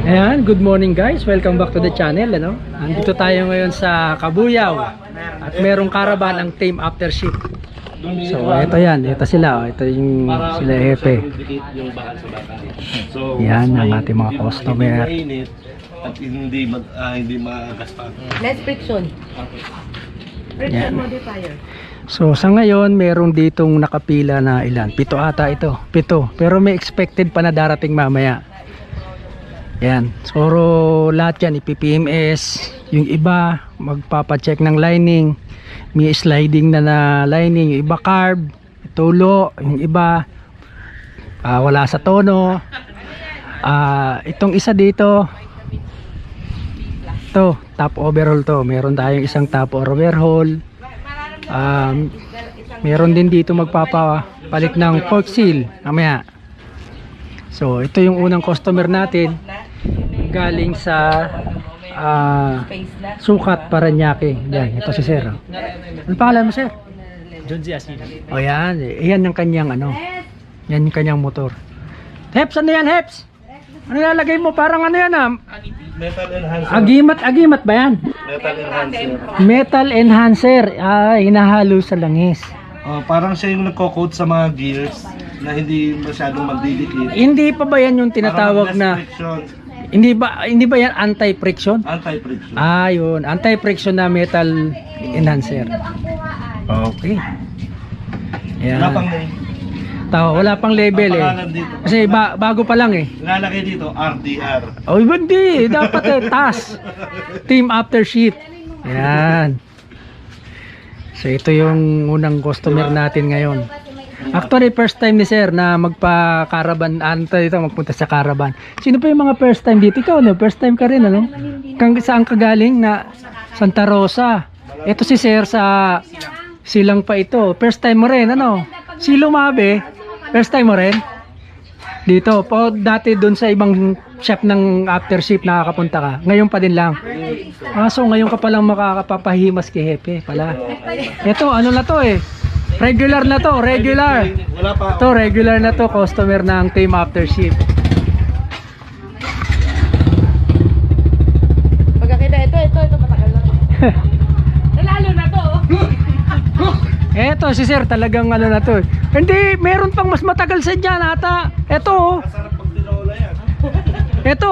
Ayan, good morning guys. Welcome back to the channel. Andito tayo ngayon sa Cabuyao at merong caravan ang team after shift. So ito yan, ito sila. Ito yung sila Hepe. Yan ang ating mga customer. At hindi magaspan. Less friction. Friction modifier. So sa ngayon meron ditong nakapila na ilan? 7 ata ito. 7. Pero may expected pa na darating mamaya. Yan. So lahat yan ipi-PMS. Yung iba magpapacheck ng lining. May sliding na lining. Yung iba carb, tulo. Yung iba wala sa tono. Itong isa dito, to top overhaul to. Meron tayong isang top overhaul. Meron din dito magpapapalit ng fork seal mamaya. So ito yung unang customer natin galing sa Sukat, Paranaque. Yan, ito si Sir. Ano pangalan mo, Sir? John Z. Asina. O yan, yan ang kanyang yan yung kanyang motor. Heps, ano yan, Heps? Ano ilalagay mo? Parang ano yan Metal enhancer. Agimat ba yan? Metal enhancer. Metal enhancer. Hinahalo sa langis. Parang siya yung nagko-coat sa mga gears na hindi masyadong magdidikit. Hindi pa ba yan yung tinatawag na hindi ba yan anti-friction? Anti-friction. Yun, anti-friction na metal enhancer. Okay. Yan. Wala pang label kasi bago pa lang Lalaki dito RDR. Hindi dapat TAS, team after shift. Yan. So ito yung unang customer natin ngayon. Actually first time ni Sir na magpa-caravan, magpunta sa caravan. Sino pa yung mga first time dito? Ikaw first time ka rin saan ka galing? Na Santa Rosa. Ito si Sir sa Silang pa ito. First time mo rin Si Lumabe, first time mo rin? Dito po, dati doon sa ibang shop ng after shift nakakapunta ka. Ngayon pa din lang. So ngayon ka pa lang makakapapahimas kay Hepe pala. Ito ano na to regular na to, regular. Ito regular na to, customer ng team after shift. Pagkakita ito matagal na to. Lalo na to. Eto si Sir talagang na to. Hindi, meron pang mas matagal sa dyan ata. Eto Sarap pag tinola yan. Eto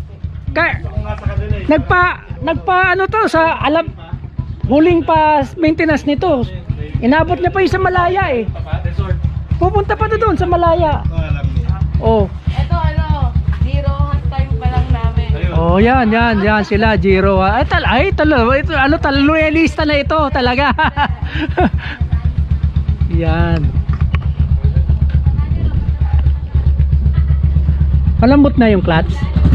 nagpa to sa huling pa maintenance nito. Inabot niya pa yung sa Malaya Pupunta pa doon sa Malaya. Ito zero hot time pa lang namin. Yan sila Giro. Loyalista na ito talaga. Yan. Malambot na yung clutch.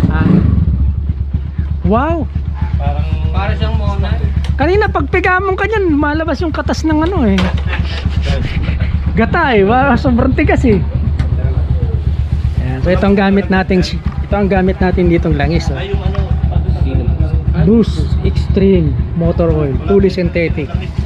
Wow. Para siyang mona. Kanina pagpigamong ka niyan, malabas yung katas ng gata sobrang tigas Yan. So ito ang gamit natin ditong langis Boost Extreme Motor Oil, fully synthetic.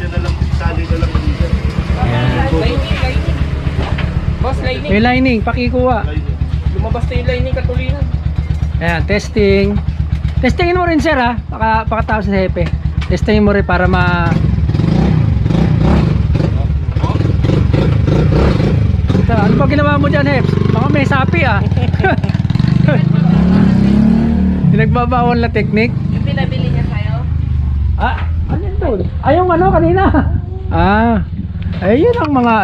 Boss, lining. May lining, pakikuha. Lumabas na yung lining katulinan. Ayan, testing. Testingin mo rin Sir pakatapos sa Hepe. Testingin mo rin para ano pa ginawa mo dyan Heps? Baka may sapi Pinagbabawal na technique. Yung pinabili niya sa'yo? Ano yun doon? Yung kanina. Ayun ang mga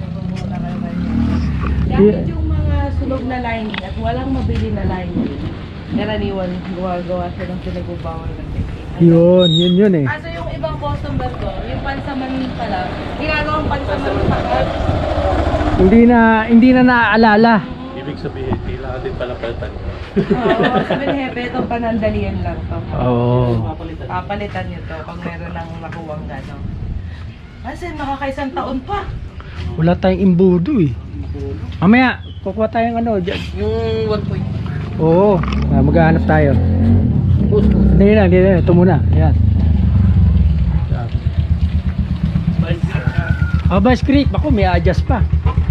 Gamit yung mga sunog na lining at walang mabili na lining. Karaniwan gawa siya ng pinagbabawal na technique. Yun Kaso yung ibang customer ko, yung pansaman pala, ginagawang pansaman sa car. Hindi na naaalala. Ibig sabihin, kailangan din pala palitan. Sabi ni Hepe, itong panandalian lang to. Papalitan nyo to pag meron ng nakuwang gano'n. Kasi nakakaisang taon pa. Wala tayong imbudo Mamaya, kukuha tayong dyan. Yung 1 point. Oo, maghahanap tayo. Hindi na, ito muna. Ayan. Vice Creek, bako may adjust pa.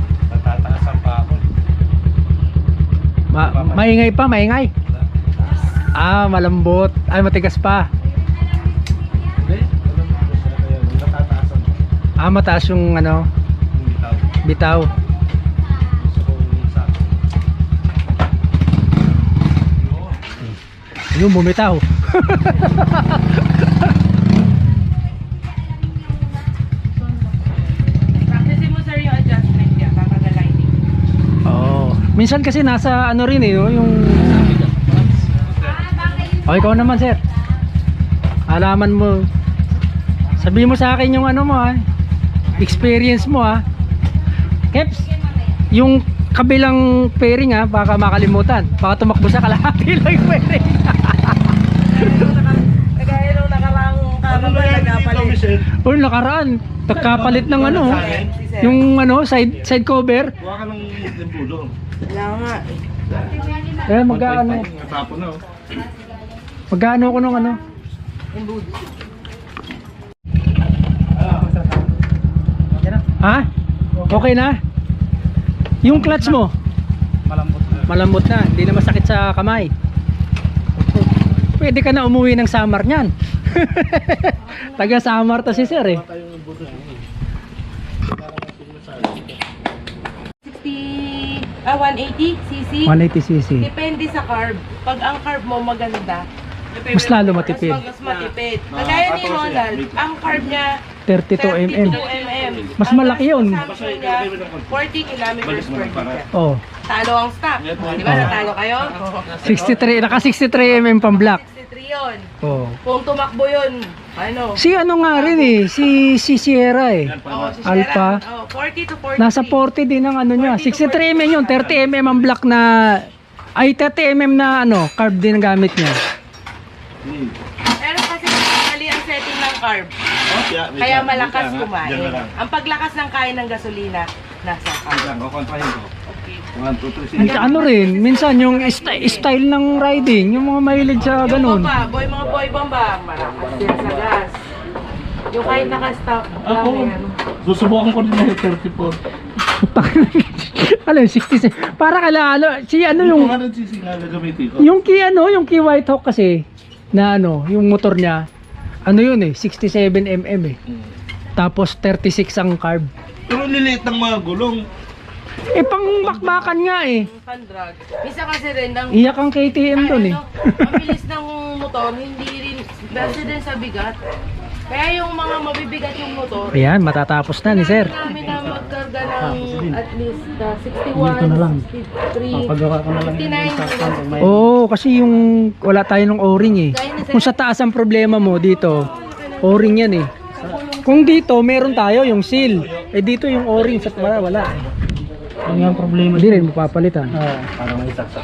Natataasan pa ako. Maingay pa, maingay. Ah, malambot. Ay, matigas pa. Hindi, alam mo kung saan kaya, natataasan mo. Ah, mataas yung ano, Yung bitaw. bitaw. Gusto ko yung sa Yung bumitaw. Practice mo sir yung adjustment niya, baka na lining. Oo. Minsan kasi nasa ano rin eh, oh, yung... O, ikaw naman, sir. Alaman mo. Sabihin mo sa akin yung ano mo, ha. Experience mo, ha. Keps, yung kabilang pairing, ha, baka makalimutan. Baka tumakbo sa kalahati lang yung pairing. Kagaya nung nakarang Ano na yan, dito, Michelle? O, nakaraan. Nagkapalit ng ano, yung ano, side cover. Kuha ka ng limbulo. Wala nga. Eh, magkano? Natapon na, oh. Magkano ko nung ano? Ha? Okay na? Yung clutch mo? Malambot na. Malambot na, hindi na masakit sa kamay. Pwede ka na umuwi ng Samar niyan. Taga Samar to si sir eh. Tayong limbulo niya. 180 cc. 180cc. Depende sa carb. Pag ang carb mo maganda, Mas lalo matipid. mas matipid. Kagaya ni Ronald, ang carb niya 32 mm. 32 mm. Mas malaki yun. Ang consumption niya 40 kilometers per liter. Oh, Talo ang stock. Di ba Oh. natalo kayo? 63, naka 63 mm pang black. 63 yun. Oh. Kung tumakbo yun, ano? Si ano nga rin eh, si Sierra eh. Oh, si Alpha. Sharon, 40 to 43. Nasa 40 din ang ano niya. 63 mm yun, 30 mm ang black na ay 30 mm na ano, carb din ang gamit niya. Pero kasi mali ang setting ng carb. Kaya malakas kumain. Ang paglakas ng kain ng gasolina, nasa carb. Kukontrahin ko. Okay. 1, 2, 3, Minsan, ano rin, minsan yung style ng riding, yung mga mahilig sa Yung ganun. bomba, mga boy bomba, malakas din sa gas. Yung kahit naka-stop lang yan. Susubukan ko din na 34. Ano yung 66? Para kala si ano yung Kung ano sisingala gamitin ko. yung key White Hawk kasi na ano, yung motor niya, ano yun eh, 67 mm eh. Tapos 36 ang carb. Pero liliit ng mga gulong. Eh pang bakbakan nga eh. Pan-drag. Isa kasi rin, ang, Iyak ang KTM doon eh. ang bilis ng motor, hindi rin, dahil din sa bigat. Kaya yung mga mabibigat yung motor, Ayan, matatapos na ni sir. namin na magkarga ng at least Dito na lang. 61, 63, Pagawa ko na lang 59. Oo, kasi yung wala tayo ng o-ring eh. Kung sa taas ang problema mo dito, o-ring yan eh. Kung dito, meron tayo yung seal. Eh dito yung o-ring sa wala. Yung yung problema. Hindi rin mapapalitan. Parang may saksak.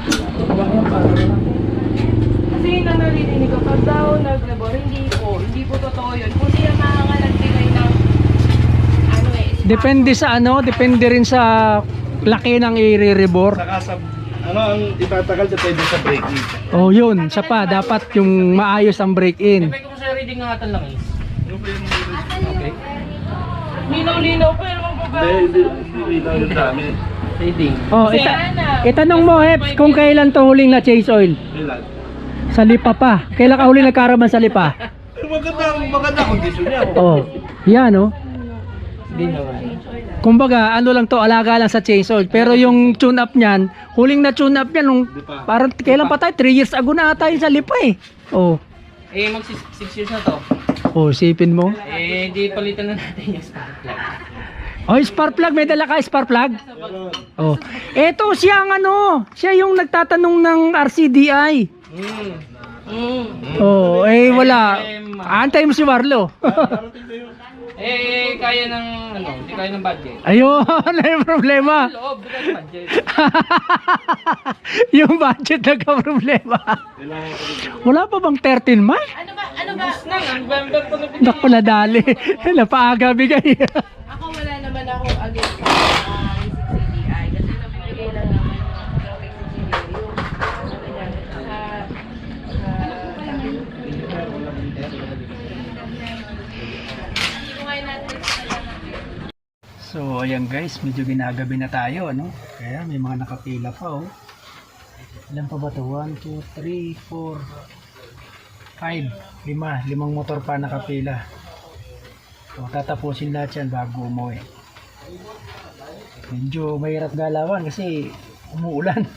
Kasi yun ang naririnig ko, pag daw naglabor, hindi po totoo yun. Kung siya makakalagbigay ng, ano eh, Depende sa ano, depende rin sa laki ng i-rebore. Saka sa, ano ang itatagal depende sa braking. Oh, yun, sa pa dapat yung maayos ang break-in. Sabi ko sa reading ng atan lang is. Ano ba yung Okay. linaw-linaw, pero magbabago. hindi lang yung dami. Reading. Oh, itanong mo, Heps, kung kailan to huling na chase oil? Ilan? Sa lipa pa. Kailan ka huling nagkaraman sa lipa? Maganda kondisyon niya. Oh, yan oh. Hindi naman. Kumbaga, ano lang to, alaga lang sa chase oil. Pero yung tune up niyan, huling na tune up niyan, nung parang kailan pa tayo? 3 years ago na tayo sa lipa eh. Oh, Eh, mag 6 years na to. oh, sipin mo. Eh, di palitan na natin yung spark plug. Oh, spark plug, may dala ka spark plug? Oh. Eto siya ang ano, siya yung nagtatanong ng RCDI. Oh, eh wala. Antay mo si Warlo. Eh, kaya ng, ano, hindi kaya ng budget. Ayun, ano yung problema? Loob, because budget. Yung budget nagka-problema. Wala pa bang 13 man? Ano ba? Bus na, November pa na Naku, nadali. Napaaga bigay. Ako wala naman ako against CDI kasi nabibigay lang naman yung engineer So ayan guys, medyo ginagabi na tayo ano. Kaya may mga nakapila pa oh. Ilan pa ba ito? 1, 2, 3, 4, 5. 5 motor pa nakapila. So, tatapusin lahat yan bago umuwi. Medyo mahirap galawan kasi umuulan.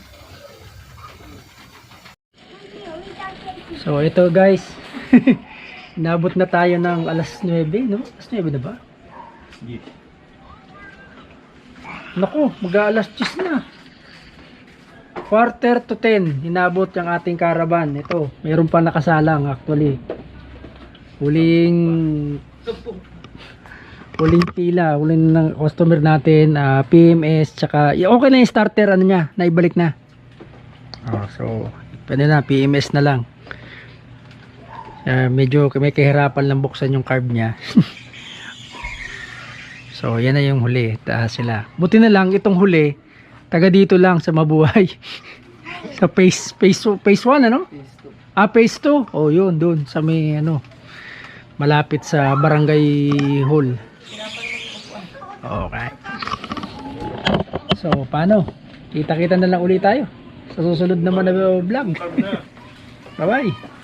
So ito guys, nabot na tayo ng alas 9, no? Alas 9 na ba? Naku, mag-aalas 10 na. Quarter to 10, inabot yung ating caravan. Ito, mayroon pa nakasalang actually. Huling pila, huling ng customer natin, PMS, tsaka, okay na yung starter, ano niya, naibalik na. So, pwede na, PMS na lang. Medyo may kahirapan lang buksan yung carb niya. So yan na yung huli, taas sila. Buti na lang itong huli taga dito lang sa Mabuhay. Sa phase 1 ano? Phase 2. Oh yun doon sa may ano malapit sa Barangay Hall. Okay. So paano? Kita-kita na lang ulit tayo sa susunod naman na vlog. Bye bye.